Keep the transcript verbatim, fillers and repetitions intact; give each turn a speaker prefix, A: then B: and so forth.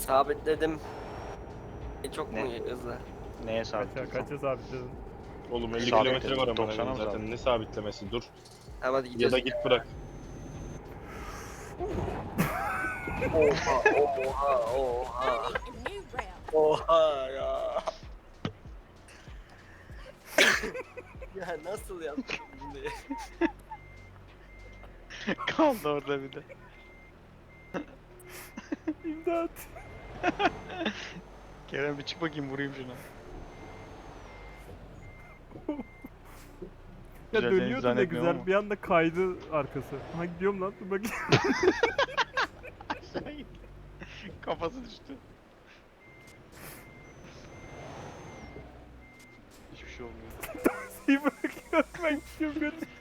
A: Sabitledim. E, Çok
B: Ne?
A: mu hızlı?
B: Neye
C: Kaça,
B: sabitledin?
C: kaça sabitledin?
D: Oğlum elli
B: Sabit
D: kilometre
B: dedim,
D: var amına
B: doksana
D: koyayım
B: mı
D: zaten.
B: sabit?
D: Ne sabitlemesi? Dur.
A: Tamam hadi
D: Ya
A: gidiyoruz.
D: da git bırak.
A: Oha oha oha.
E: Starting a new route.
A: Oha ya. Ya nasıl yaptın bunu?
B: Kaldı orada bir de.
C: İmdat.
B: Kerem bir çık bakayım, vurayım şuna.
C: Ya
B: Güzel,
C: dönüyordu
B: seni
C: da
B: zannetmiyorum
C: güzel
B: ama.
C: bir anda kaydı arkası. Ha gidiyorum lan, dur bakayım.
B: Aşağı gitti. Kafası düştü. Hiçbir şey olmuyor.
C: İyi bırakıyorum ben gidiyorum götür.